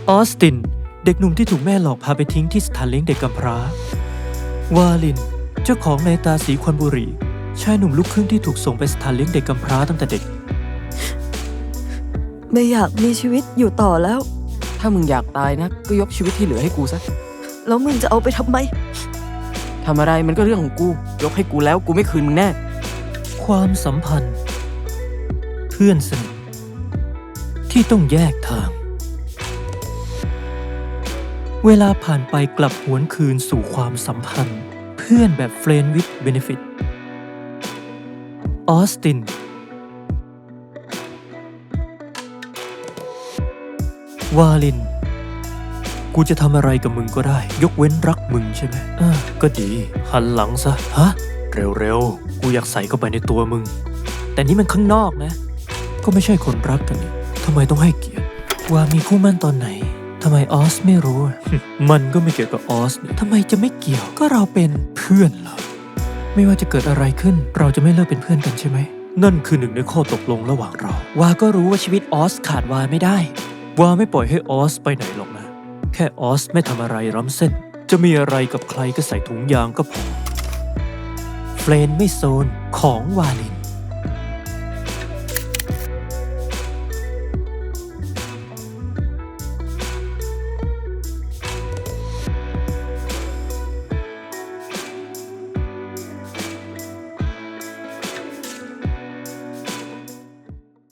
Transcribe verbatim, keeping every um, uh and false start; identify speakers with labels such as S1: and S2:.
S1: ออสตินเด็กหนุ่มที่ถูกแม่หลอกพาไปทิ้งที่สถานเลี้ยงเด็กกำพร้าวาลินเจ้าของในตาสีควันบุหรี่ชายหนุ่มลูกครึ่งที่ถูกส่งไปสถานเลี้ยงเด็กกำพร้าตั้งแต่เด็ก
S2: ไม่อยากมีชีวิตอยู่ต่อแล้ว
S3: ถ้ามึงอยากตายนะก็ยกชีวิตที่เหลือให้กูซะ
S2: แล้วมึงจะเอาไปทำไม
S3: ทำอะไรมันก็เรื่องของกูยกให้กูแล้วกูไม่คืนมึงแน่
S1: ความสัมพันธ์เพื่อนสนิทที่ต้องแยกทางเวลาผ่านไปกลับหวนคืนสู่ความสัมพันธ์เพื่อนแบบ Friend with Benefit ออสตินวาลินกูจะทำอะไรกับมึงก็ได้ยกเว้นรักมึงใช่ไหมอ่าก็ดีหันหลังซะฮะเร็วๆกูอยากใส่เข้าไปในตัวมึงแต่นี่มันข้างนอกนะก็ไม่ใช่คนรักกันนี่ทำไมต้องให้เกียรติว่ามีคู่มั่นตอนไหนทำไมออสไม่รู้ มันก็ไม่เกี่ยวกับออสทำไมจะไม่เกี่ยวก็เราเป็นเพื่อนเหรอไม่ว่าจะเกิดอะไรขึ้นเราจะไม่เลิกเป็นเพื่อนกันใช่ไหมนั่นคือหนึ่งในข้อตกลงระหว่างเราวาก็รู้ว่าชีวิตออสขาดวาไม่ได้วาไม่ปล่อยให้ออสไปไหนหรอกนะแค่ออสไม่ทำอะไรล้ำเส้นจะมีอะไรกับใครก็ใส่ถุงยางก็พอเฟรนไม่โซนของวาลิน